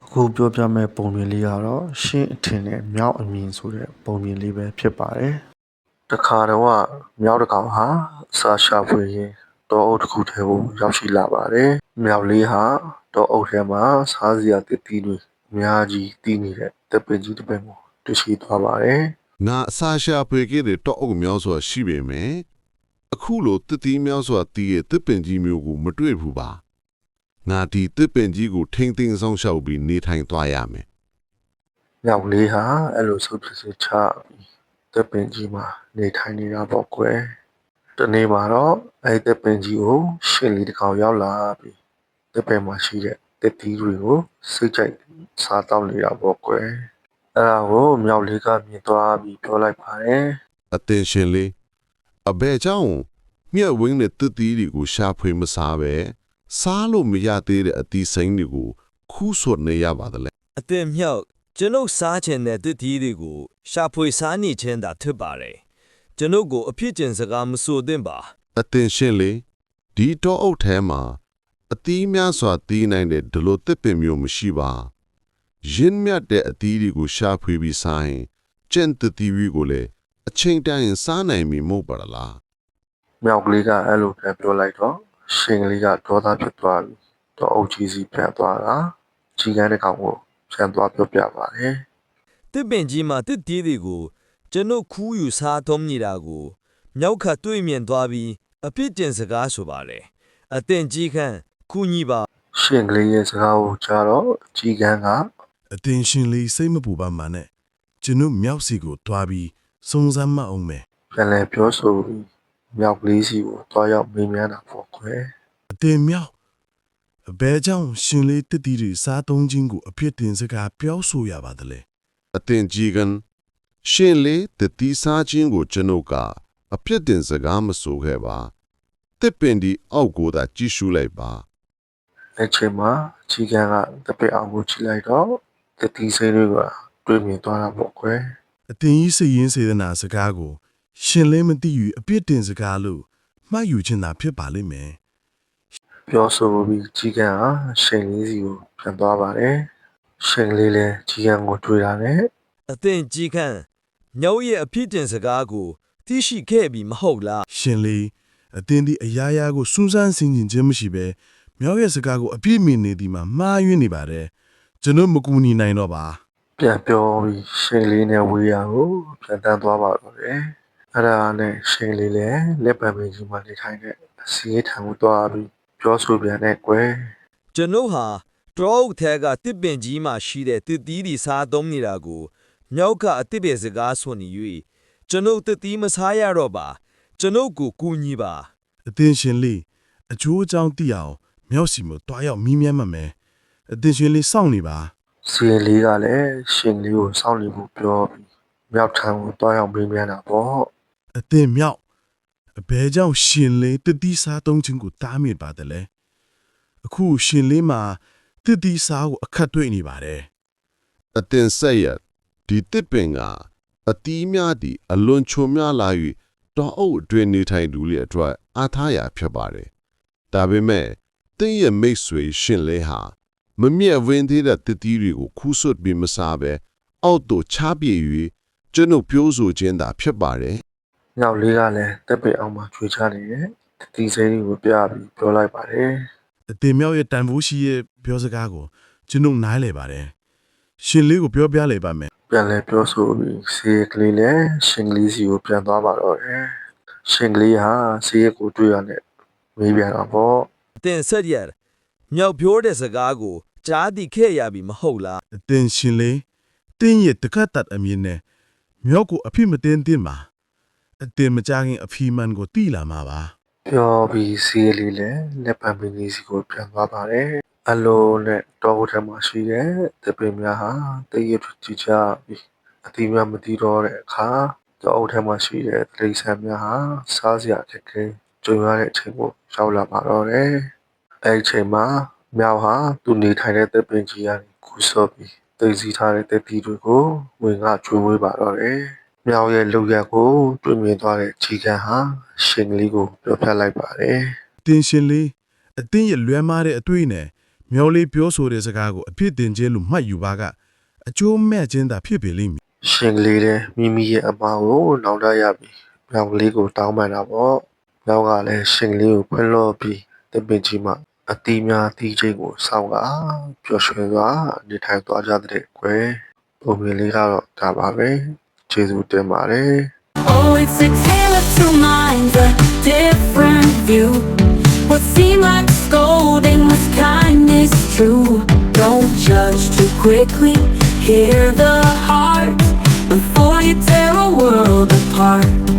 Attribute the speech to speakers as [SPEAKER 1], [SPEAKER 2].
[SPEAKER 1] အခုပြောပြမယ့်ပုံပြင်လေးကတော့ရှင်းအထင်နဲ့မြောက်အမြင်ဆိုတဲ့ပုံပြင်လေးပဲဖြစ်ပါတယ်။တခါတော့မြောက်တစ်ကောင်ဟာစာရှာဖွေရင်းတောအုပ်တစ်ခုထဲကိုရောက်ရှိလာပါတယ်။မြောက်လေးဟာတောအုပ်ထဲမှာစားစရာတစ်တီးတွေအများကြီးတည်နေတဲ့တပ်ပင်ကြီးတစ်ပင်ကိုတွေ့ရှိသွားပါတယ်
[SPEAKER 2] ငါအစာရှာဖွေခဲ့တဲ့တောအုပ်များစွာရှိပေမယ့်အခုလိုတစ်တီးများစွာတည်ရဲ့တစ်ပင်ကြီးမျိုးကိုမတွေ့ဘူးပါငါဒီတစ်ပင်ကြီးကိုထိမ့်သိမ်းဆောင်ရှောက်ပြီးနေထိုင်သွားရမယ်
[SPEAKER 1] ။မြောက်လေးဟာအဲ့လိုဆုပ်ဖြစ်စေချပြီးတပ်ပင်ကြီးမှာနေထိုင်နေတာပေါ့ကွယ်။တနေ့မှာတော့အဲ့တပ်ပင်ကြီးကိုရှင်လေးတစ်ကောင်ရောက်လာပြီးတပ်ပင်မှာရှိတဲ့တစ်တီးတွေကိုစိတ်ကြိုက်စားတောက်နေတာပေါ့ကွယ်။အဲ့ဒါကိုမြောက်လေးကမြင်သွားပြီးပြောလိုက်ပါတယ်
[SPEAKER 2] အတင်ရှင်လေးအဘဲเจ้าမြက်ဝင်းတဲ့တစ်တီးတွေကိုရှာဖွေမစားပဲစားလို့မရသေးတဲ့အတီးစိမ်းတွေကိုခူးဆွတ်နေရပါတယ်လေ
[SPEAKER 3] အတင်မြောက်ကျွန်ုပ်စားချင်တဲ့တစ်တီးတွေကိုရှာဖွေစားနေခြင်းသာဖြစ်ပါတယ်ကျွန်ုပ်ကိုအဖြစ်ကျင်စကားမဆိုသင့်ပါ
[SPEAKER 2] အတင်ရှင်လေးဒီတောအုပ်ထဲမှာအတီးများစွာတီးနိုင်တဲ့ဒီလိုတစ်ပင်မျိုးမရှိပါရင်းမြတ်တဲ့အတီးတွေကိုရှာဖွေပြီးစားရင်ကျင့်တတီးတွေကိုလည်းအချိန်တိုင်းစားနိုင်ပြီမဟုတ်ပါလား
[SPEAKER 1] ။မြောက်ကလေးကအဲ့လိုပြန်ပြောလိုက်တော့ရှင်ကလေးကဒေါသဖြစ်သွားပြီးတော့အုပ်ကြီးစီပြန်သွားတာကြီးကန်းတစ်ကောင်ကိုပြန်သွားပြောပြပါတယ်
[SPEAKER 3] တစ်ပင်ကြီးမှာတစ်တီးတွေကိုကျွန်ုပ်ခူးယူစားသုံးနေတာကိုမြောက်ခတ်တွေ့မြင်သွားပြီးအဖြစ်ကျင်စကားဆိုပါတယ်အတင်ကြီးခန့်ခူးညီပါ
[SPEAKER 1] ။ရှင်ကလေးရဲ့စကားကိုကြားတော့ကြီးကန်းကအ
[SPEAKER 4] တင်ရှင်လေးစိတ်မပူပါမှနဲ့ကျွန်ုပ်မြောက်စီကိုတွားပြီးစုံစမ်းမအောင်မယ်
[SPEAKER 1] ပြန်လဲပြောဆိုပြီးမြောက်ကလေးစီကိုတွားရောက်မေးမြန်းတာပေါ့ကွယ်
[SPEAKER 4] အတင်မြောက်အဘဲကြောင့်ရှင်လေးတစ်တီတွေစားသုံးခြင်းကိုအဖြစ်တင်စကားပြောဆိုရပါသလဲ
[SPEAKER 2] အတင်ကြီးကန်ရှင်လေးတတိစားခြင်းကိုကျွန်ုပ်ကအပြစ်တင်စကားမဆိုခဲ့ပါတစ်ပင်ဒီအောက်ကိုသာကြည့်ရှုလိုက်ပါ
[SPEAKER 1] ။အဲ့ချိန်မှာကြီးကန်းကတပည့်အောင်ကိုကြည့်လိုက်တော့တတိစိမ်းတွေကတွေ့မြင်သွားတာပေါ့ကွယ်
[SPEAKER 4] အတင်ကြီးစိတ်ရင်းစေတနာစကားကိုရှင်လေးမသိယူအပြစ်တင်စကားလို့မှတ်ယူခြင်းသာဖြစ်ပါလိမ့်မယ်
[SPEAKER 1] ။ပြောဆိုပြီးကြီးကန်းဟာရှင်လေးစီကိုပြန်သွားပါတယ်။ရှင်လေးလည်းကြီးကန်းကိုတွေ့တာနဲ့
[SPEAKER 3] အတင်ကြီးခန့်မြောက်ရဲ့အဖြစ်ကျင်စကားကိုသိရှိခဲ့ပြီမဟုတ်လား
[SPEAKER 4] ရှင်လေးအတင်ဒီအရာရာကိုစူးစမ်းဆင်ခြင်ခြင်းမရှိပဲမြောက်ရဲ့စကားကိုအပြည့်မြင်နေသည်မှာမှားယွင်းနေပါတယ်ကျွန်တော်မကူညီနိုင်တော့ပါ
[SPEAKER 1] ပြန်ပြောပြီးရှင်လေးနဲ့ဝေးရကိုပြန်တန်းသွားပါတော့တယ်။အဲ့ဒါနဲ့ရှင်လေးလည်းလက်ပံပင်ကြီးမှာနေထိုင်တဲ့အစီအထံကိုသွားပြီးပြောဆိုပြန်တဲ့ကွယ်
[SPEAKER 3] ကျွန်ုပ်ဟာတရောအုပ်ထဲကတစ်ပင်ကြီးမှာရှိတဲ့တစ်တီးဒီစားသုံးနေတာကိုမြောက်ကအတစ်ပင်စကားဆိုနေ၍ကျွန်ုပ်တစ်တီးမစားရတော့ပါကျွန်ုပ်ကိုကူညီပါ
[SPEAKER 4] အတင်ရှင်လေးအကျိုးအကြောင်းသိအောင်မြောက်စီမတွားရောက်မီးမြန်းမှမယ်အတင်ရှင်လေးစောင့်နေပါ
[SPEAKER 1] ။စီရင်လေးကလည်းရှင်လေးကိုစောင့်နေဖို့ပြောပြီးမြောက်ထံကိုသွားရောက်မေးမြန်းတာပေါ့
[SPEAKER 4] ။အတင်မြောက်အဘဲကြောင့်ရှင်လေးတတိစားသုံးခြင်းကိုတားမြစ်ပါတယ်လေအခုရှင်လေးမှာတတိစားကိုအခက်တွေ့နေပါတယ်
[SPEAKER 2] အတင်ဆက်ရဒီတစ်ပင်ကအတီးများသည့်အလွန်ချုံများလာ၍တောအုပ်အတွင်းနေထိုင်သူတွေအတွက်အားထားရာဖြစ်ပါတယ်ဒါပေမဲ့တင်းရဲ့မိတ်ဆွေရှင်လေးဟာမမြဲဝင်းသေးတဲ့တစ်တီးတွေကိုခူးဆွတ်ပြီးမစားပဲအောက်သို့ချပြေ၍ကျွန်ုပ်ပြောဆိုခြင်းသာဖြစ်ပါတယ်
[SPEAKER 1] ။မြောက်လေးကလည်းတက်ပင်အောင်မှာချွေချနေတဲ့ဒီစိမ်းကိုပြပြီးပြောလိုက်ပါတယ်
[SPEAKER 4] အတင်မြောက်ရဲ့တန်ဖိုးရှိရဲ့ပြောစကားကိုကျွန်ုပ်နားလည်ပါတယ်ရှင်လေးကိုပြောပြလိုက်ပါမယ်
[SPEAKER 1] ပြန်လဲပြောဆိုပြီးစီကလေးလည်းရှင်ကလေးစီကိုပြန်သွားပါတော့တယ်။ရှင်ကလေးဟာစီရကိုတွေ့ရတဲ့မေးပြန်တာပေါ့
[SPEAKER 3] အတင်ဆက်ရမြောက်ပြောတဲ့စကားကိုကြားသိခဲ့ရပြီမဟုတ်လား
[SPEAKER 4] အတင်ရှင်လေးတင်းရဲ့တခတ်တတ်အမြင်နဲ့မြောက်ကိုအဖြစ်မတင်တင်ပါအတင်မကြခင်အဖီမန်ကိုတီးလာမှာပါ
[SPEAKER 1] ပြောပြီးစီလေးလည်းလက်ပံပင်ကြီးစီကိုပြန်သွားပါတယ်။အလိုနဲ့တောထဲမှာရှိတဲ့တပင်များဟာတည့်ရကြည့်ချပြီးအတိအများမသိတော့တဲ့အခါတောထဲမှာရှိတဲ့တိရစ္ဆာန်များဟာစားစရာခက်ခဲကြုံရတဲ့အချိန်ကိုရောက်လာပါတော့တယ်။အဲဒီအချိန်မှာမြောက်ဟာသူနေထိုင်တဲ့တပင်ကြီးကနေကူးဆော့ပြီးသိသိထားတဲ့တပီတွေကိုဝင်ကကျွေးမွေးပါတော့တယ်။မြောက်ရဲ့လုံရက်ကိုတွေ့မြင်သွားတဲ့ချီကန်ဟာရှင်ကလေးကိုပြောပြလိုက်ပါတယ်
[SPEAKER 4] တင်ရှင်လေးအတင်းရဲ့လွဲမားတဲ့အတွေ့နဲ့မြော်လေးပြောဆိုတဲ့စကားကိုအဖြစ်တင်ကျဲလို့မှတ်ယူပါကအကျိုးမဲ့ခြင်းသာဖြစ်ပေလိမ့်မည်
[SPEAKER 1] ရှင်ကလေးတဲ့မိမိရဲ့အမားကိုနောင်တရပြီမြောင်ကလေးကိုတောင်းပန်တာပေါ့မြောင်ကလည်းရှင်ကလေးကိုဖွင့်လို့ပြီးတပင်ကြီးမှာအတီးများတီးချိန်ကိုစောင့်ကပျော်ရွှင်စွာနေထိုင်သွားကြတဲ့ကွယ်ပုံမြင်လေးကတော့ဒါပါပဲကျေးဇူးတင်ပါတယ်
[SPEAKER 5] Oh, it's a tale of two minds, a different view. What seemed like scolding was kindness true. Don't judge too quickly, hear the heart before you tear a world apart.